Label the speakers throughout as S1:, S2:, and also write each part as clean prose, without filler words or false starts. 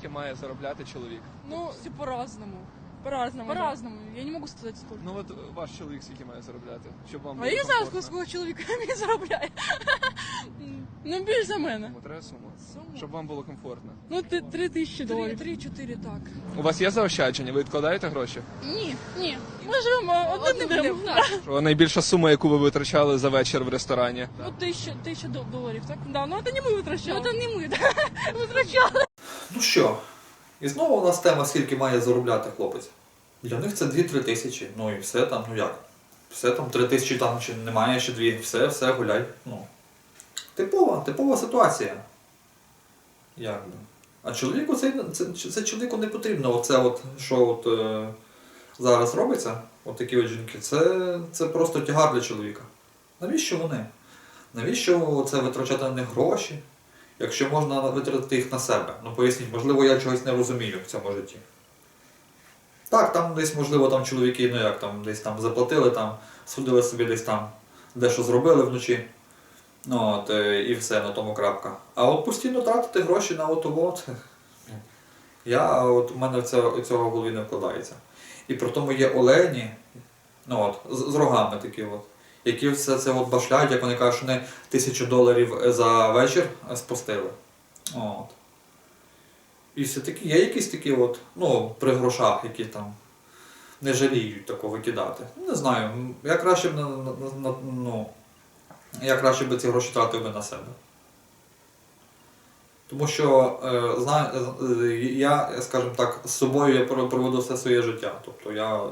S1: скільки має заробляти чоловік?
S2: Ну,
S3: Все по-разному.
S2: по-разному. да.
S3: По-разному. Я не могу сказать сколько.
S1: Ну от ваш чоловік скільки має заробляти? Щоб вам
S3: А
S1: було
S3: я не знаю,
S1: комфортно?
S3: сколько чоловік мені заробляє.
S2: Ну, більше за мене.
S1: Кому треба суму?
S3: Суму?
S1: Щоб вам було комфортно.
S2: Ну, 3000 доларів.
S3: 3-4 так.
S1: У вас є заощадження? Ви відкладаєте гроші?
S3: Ні.
S2: Ні, ми живемо одним днем.
S1: Що найбільша сума, яку ви витрачали за вечір в ресторані?
S3: Ну, 1000 доларів, так?
S2: Да, ну це не ми
S3: Ну,
S2: витрачали.
S3: це не ми, так. Витрачали.
S4: Ну що, і знову у нас тема, скільки має заробляти хлопець. Для них це 2-3 тисячі. Ну і все там, ну як? Все там 3 тисячі, там чи немає ще 2, все, гуляй. Ну. Типова ситуація. Якби. А чоловіку це чоловіку не потрібно. Оце от, що от, зараз робиться, от такі от жінки, це просто тягар для чоловіка. Навіщо вони? Навіщо це витрачати на них гроші, якщо можна витратити їх на себе? Ну поясніть, можливо, я чогось не розумію в цьому житті. Так, там десь, можливо, там чоловіки, ну як, там десь там заплатили, там, судили собі десь там, дещо зробили вночі. Ну, от, і все, на тому крапка. А от постійно тратити гроші на от. У мене цього в голові не вкладається. І при тому є олені, ну от, з рогами такі от, які все це от башляють, як вони кажуть, що вони $1000 за вечір спустили. От. І все-таки є якісь такі от, ну, при грошах, які там не жаліють такого викидати. Не знаю, я краще б я краще б ці гроші тратив би на себе. Тому що я, скажімо так, з собою я проведу все своє життя. Тобто я,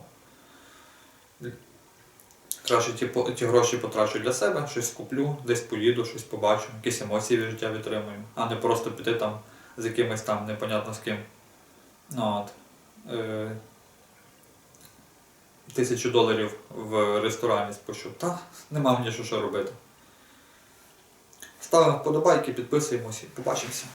S4: краще ті гроші потрачу для себе, щось куплю, десь поїду, щось побачу, якісь емоції від життя відтримую, а не просто піти там з якимось там непонятно з ким. Ну, от. $1000 в ресторані спущу. Та, нема мені що робити. Ставимо вподобайки, підписуємося, побачимося.